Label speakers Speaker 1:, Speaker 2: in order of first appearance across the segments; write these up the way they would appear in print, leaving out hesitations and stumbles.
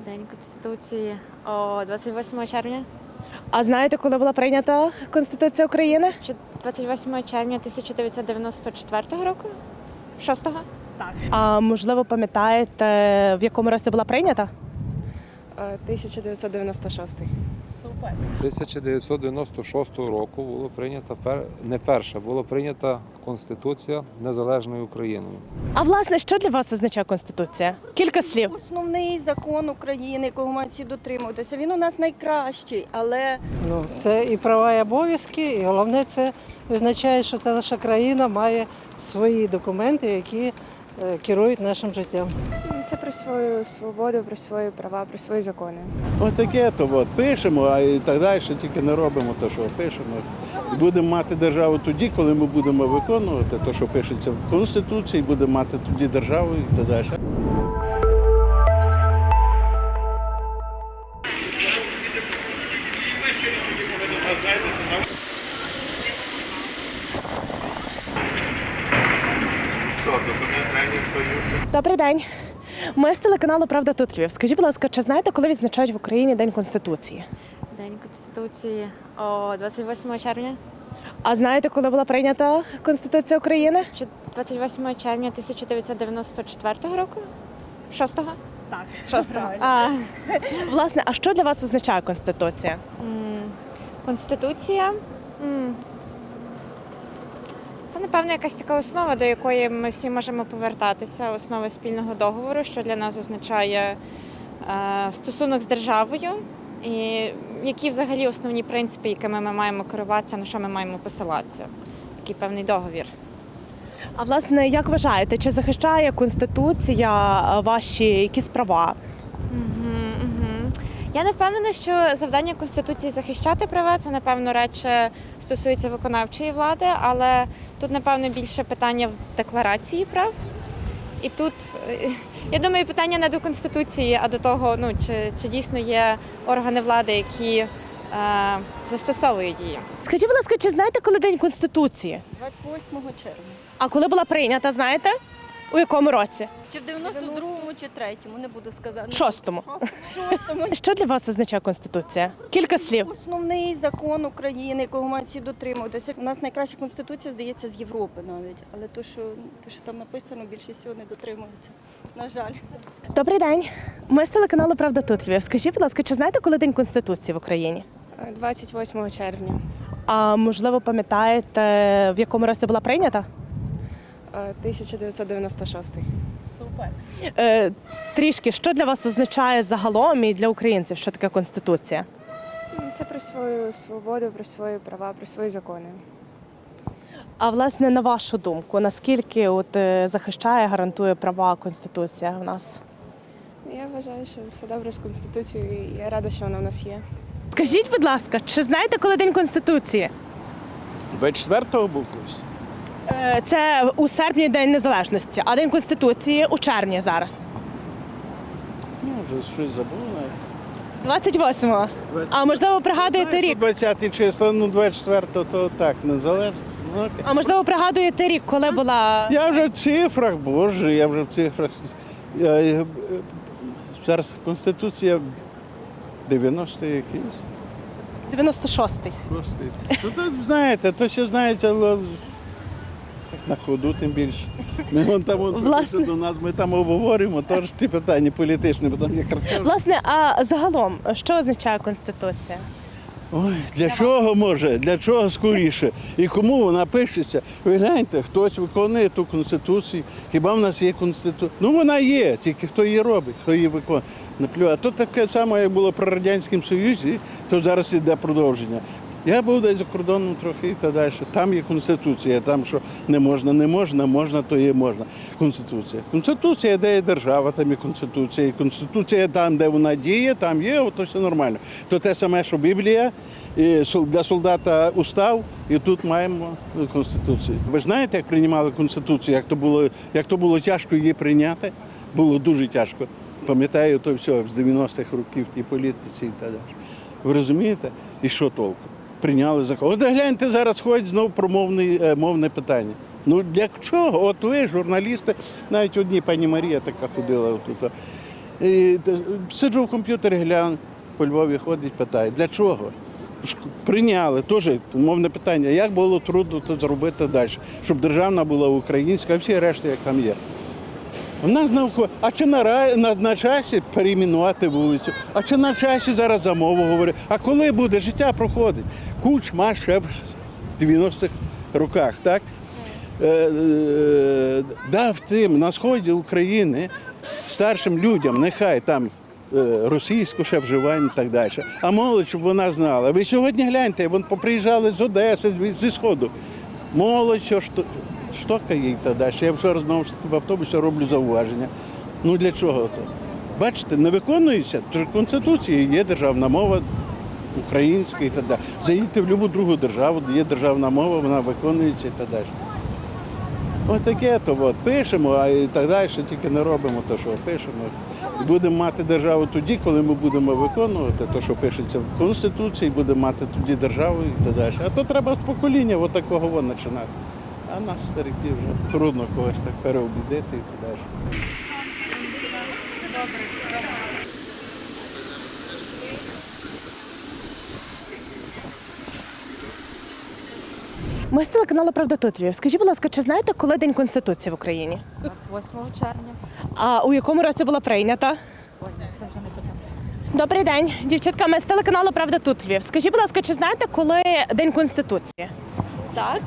Speaker 1: День Конституції 28 червня.
Speaker 2: А знаєте, коли була прийнята Конституція України?
Speaker 1: 28 червня 1994 року? 6-го?
Speaker 2: А можливо, пам'ятаєте, в якому році була прийнята?
Speaker 3: 1996.
Speaker 2: Супер.
Speaker 4: 1996 року було прийнята не перша, була прийнята Конституція Незалежною Україною.
Speaker 2: А власне, що для вас означає Конституція? Кілька слів.
Speaker 5: Основний закон України, якого мають всі дотримуватися. Він у нас найкращий, але
Speaker 3: Це і права, і обов'язки, і головне це визначає, що ця наша країна має свої документи, які керують нашим життям.
Speaker 6: Це про свою свободу, про свої права, про свої закони.
Speaker 7: Отаке то от, пишемо, а і так далі, тільки не робимо те, що пишемо. І будемо мати державу тоді, коли ми будемо виконувати те, що пишеться в Конституції, будемо мати тоді державу і так далі.
Speaker 2: Добрий день. Ми з телеканалу Правда тут Львів. Скажіть, будь ласка, чи знаєте, коли відзначають в Україні День Конституції?
Speaker 1: День Конституції 28 червня.
Speaker 2: А знаєте, коли була прийнята Конституція України?
Speaker 1: 28 червня 1994 року? 6-го?
Speaker 2: Так.
Speaker 1: 6-го.
Speaker 2: Власне, а що для вас означає Конституція?
Speaker 1: Конституція. Це, напевно, якась така основа, до якої ми всі можемо повертатися, основа спільного договору, що для нас означає стосунок з державою, і які взагалі основні принципи, якими ми маємо керуватися, на що ми маємо посилатися. Такий певний договір.
Speaker 2: А власне, як вважаєте, чи захищає Конституція ваші якісь права?
Speaker 1: Я не впевнена, що завдання Конституції захищати права, це, напевно, радше стосується виконавчої влади, але тут, напевно, більше питання в декларації прав. І тут, я думаю, питання не до Конституції, а до того, чи дійсно є органи влади, які застосовують її.
Speaker 2: Скажіть, будь ласка, чи знаєте, коли День Конституції?
Speaker 5: 28 червня.
Speaker 2: А коли була прийнята, знаєте? У якому році?
Speaker 5: Чи в 92-му, чи 3-му, не буду сказати.
Speaker 2: Шостому.
Speaker 5: 6-му.
Speaker 2: Що для вас означає Конституція? Кілька слів.
Speaker 5: Основний закон України, якого мають всі дотримуватися. У нас найкраща конституція, здається, з Європи навіть. Але то, що там написано, більшість всього не дотримується. На жаль.
Speaker 2: Добрий день. Ми з телеканалу Правда тут Львів. Скажіть, будь ласка, чи знаєте, коли День Конституції в Україні?
Speaker 6: 28 червня.
Speaker 2: А можливо, пам'ятаєте, в якому році була прийнята?
Speaker 6: 1996.
Speaker 2: Супер. Трішки, що для вас означає загалом і для українців, що таке Конституція?
Speaker 6: Це про свою свободу, про свої права, про свої закони.
Speaker 2: А власне, на вашу думку, наскільки захищає, гарантує права Конституція у нас?
Speaker 6: Я вважаю, що все добре з Конституцією, і я рада, що вона в нас є.
Speaker 2: Скажіть, будь ласка, чи знаєте, коли День Конституції?
Speaker 7: 24-го був колись.
Speaker 2: Це у серпні День Незалежності, а День Конституції у червні зараз.
Speaker 7: Ну, вже щось забув навіть.
Speaker 2: 28-го. А можливо, пригадуєте рік?
Speaker 7: 20 числа, 24-го, то так, незалежно. Ну,
Speaker 2: А можливо, пригадуєте рік, коли була...
Speaker 7: я вже в цифрах, боже, я вже в цифрах. Зараз Конституція 90-й якийсь.
Speaker 2: 96-й.
Speaker 7: Ну, то, знаєте, то ще знаєте, але на ходу тим більше. Ми там
Speaker 2: Власне.
Speaker 7: до нас, ми там обговорюємо, теж ті питання політичні, бо там є картина.
Speaker 2: Власне, а загалом, що означає Конституція?
Speaker 7: Ой, для чого може, для чого скоріше? І кому вона пишеться? Ви гляньте, хтось виконує ту Конституцію. Хіба в нас є Конституція? Ну вона є, тільки хто її робить, хто її виконує. А то таке саме, як було при Радянському Союзі, то зараз іде продовження. Я був десь за кордоном трохи і так далі. Там є Конституція, там що не можна, можна, то є можна. Конституція. Конституція, де є держава, там є Конституція. І Конституція там, де вона діє, там є, то все нормально. То те саме, що Біблія, і для солдата устав, і тут маємо Конституцію. Ви ж знаєте, як приймали Конституцію, як то було тяжко її прийняти? Було дуже тяжко. Пам'ятаю, то все з 90-х років в тій політиці і так далі. Ви розумієте? І що толку? Прийняли закон. От гляньте, зараз ходять знову про мовне питання. Ну для чого? От ви, журналісти, навіть одні, пані Марія така ходила тут. Сиджу в комп'ютері, гляну, по Львові ходить, питає, для чого? Прийняли, теж мовне питання, як було трудно це зробити далі, щоб державна була українська, а всі решта, як там є. У нас а чи на часі перейменувати вулицю, а чи на часі зараз за мову говорити, а коли буде, життя проходить. Кучма ще в 90-х роках, так? Дав тим на сході України старшим людям, нехай там російську ще вживання і так далі, а молодь, щоб вона знала. Ви сьогодні гляньте, вони поприїжджали з Одеси, зі Сходу. Молодь, що штокає і так далі. Я вчора знову ж таки в автобусі роблю зауваження. Ну для чого то? Бачите, не виконується, тож в Конституції є державна мова українська і так далі. Заїдьте в будь-яку другу державу, де є державна мова, вона виконується і так далі. Ось таке то пишемо, а і так далі, тільки не робимо те, що пишемо. І будемо мати державу тоді, коли ми будемо виконувати те, що пишеться в Конституції, будемо мати тоді державу і так далі. А то треба з покоління от такого починати. А нас, стариків, вже трудно когось так переобідити і так далі.
Speaker 2: Ми з телеканалу «Правда тут Львів». Скажіть, будь ласка, чи знаєте, коли День Конституції в Україні?
Speaker 1: 28 червня.
Speaker 2: А у якому році була прийнята? Добрий день, дівчатка. Ми з телеканалу «Правда тут Львів». Скажіть, будь ласка, чи знаєте, коли День Конституції?
Speaker 8: Так.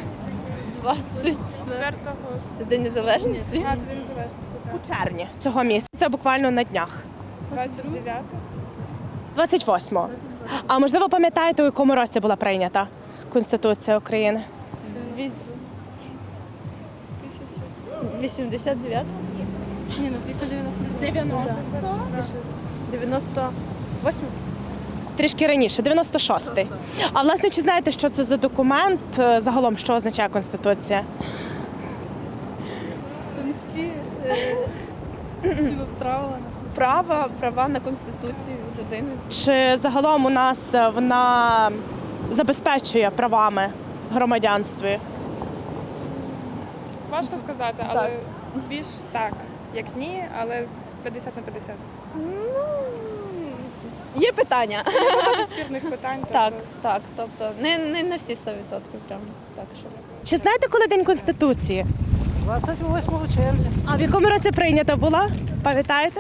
Speaker 8: 24-го. Це День Незалежності.
Speaker 2: У червні цього місяця, буквально на днях. 28-го. А можливо, пам'ятаєте, у якому році була прийнята Конституція України?
Speaker 8: 89-го? Ні, ну після 98-го.
Speaker 2: Трішки раніше, 96-й. А власне, чи знаєте, що це за документ? Загалом, що означає Конституція?
Speaker 8: Права на Конституцію людини.
Speaker 2: Чи загалом у нас вона забезпечує правами громадянстві?
Speaker 6: Важко сказати, але більш так, як ні, але 50 на 50.
Speaker 8: Є питання.
Speaker 6: Багато спірних питань.
Speaker 8: Так. Тобто не на всі 100% прям так, що.
Speaker 2: Чи знаєте, коли День Конституції?
Speaker 3: 28 червня.
Speaker 2: А в якому році прийнята була? Пам'ятаєте?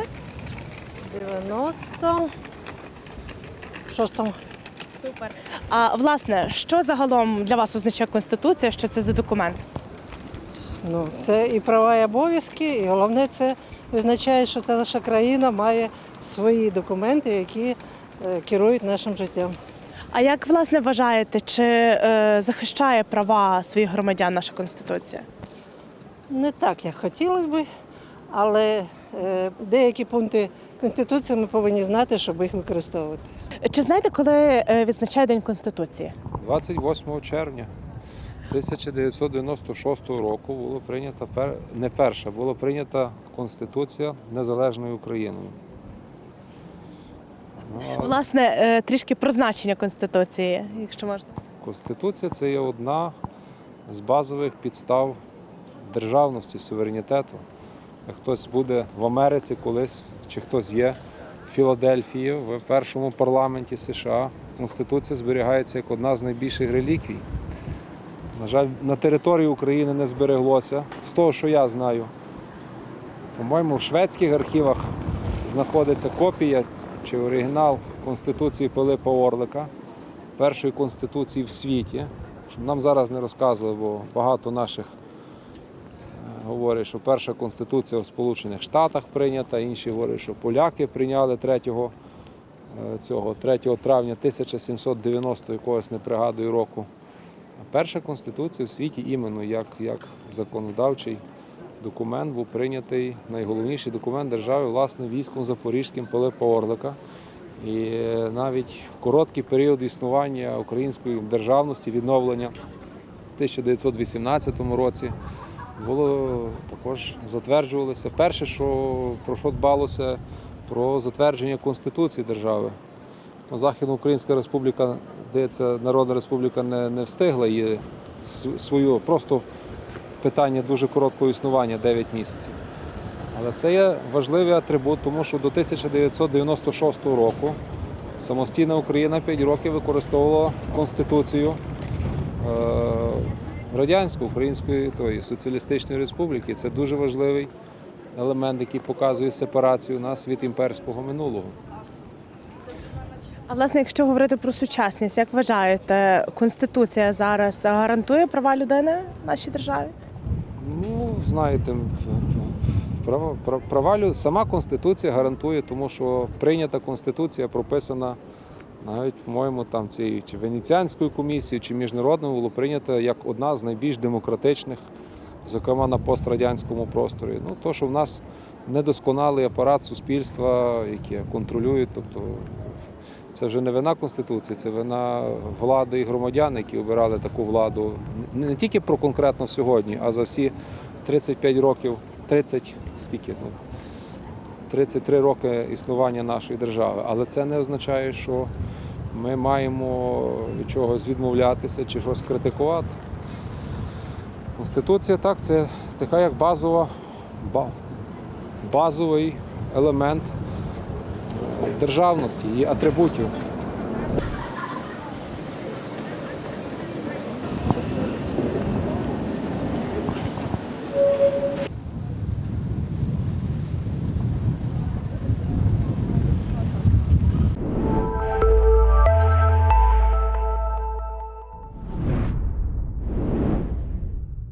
Speaker 3: 96-му.
Speaker 2: Супер. А власне, що загалом для вас означає Конституція? Що це за документ?
Speaker 3: Ну, це і права, і обов'язки, і головне, це визначає, що ця наша країна має свої документи, які керують нашим життям.
Speaker 2: А як, власне, вважаєте, чи захищає права своїх громадян наша Конституція?
Speaker 3: Не так, як хотілося б, але деякі пункти Конституції ми повинні знати, щоб їх використовувати.
Speaker 2: Чи знаєте, коли відзначає День Конституції?
Speaker 4: 28 червня 1996 року було прийнята була прийнята Конституція Незалежною Україною.
Speaker 2: Власне, трішки про значення Конституції, якщо можна.
Speaker 4: Конституція – це є одна з базових підстав державності, суверенітету. Хтось буде в Америці колись, чи хтось є в Філадельфії, в першому парламенті США. Конституція зберігається як одна з найбільших реліквій. На жаль, на території України не збереглося. З того, що я знаю, по-моєму, в шведських архівах знаходиться копія чи оригінал Конституції Пилипа Орлика, першої Конституції в світі. Щоб нам зараз не розказували, бо багато наших говорять, що перша Конституція в Сполучених Штатах прийнята, інші говорять, що поляки прийняли 3 травня 1790 якогось, не пригадую, року. Перша Конституція в світі іменно як законодавчий документ був прийнятий, найголовніший документ держави, власне, військом Запорізьким Пилипа Орлика. І навіть в короткий період існування української державності, відновлення в 1918 році, також затверджувалося. Перше, про що дбалося, про затвердження Конституції держави. Західноукраїнська республіка, здається, Народна Республіка не встигла її свою, просто питання дуже короткого існування, 9 місяців. Але це є важливий атрибут, тому що до 1996 року самостійна Україна 5 років використовувала Конституцію Радянської, Української Соціалістичної Республіки. Це дуже важливий елемент, який показує сепарацію нас від імперського минулого.
Speaker 2: А власне, якщо говорити про сучасність, як вважаєте, Конституція зараз гарантує права людини в нашій державі?
Speaker 4: Ну, знаєте, сама Конституція гарантує, тому що прийнята Конституція прописана навіть, по-моєму, там цією чи Венеціанською комісією, чи міжнародною було прийнята як одна з найбільш демократичних, зокрема на пострадянському просторі. Ну, то, що в нас недосконалий апарат суспільства, який контролює, тобто це вже не вина Конституції, це вина влади і громадян, які обирали таку владу не тільки про конкретно сьогодні, а за всі 35 років, 33 роки існування нашої держави. Але це не означає, що ми маємо від чогось відмовлятися чи щось критикувати. Конституція, так, це така як базовий елемент державності, її атрибутів.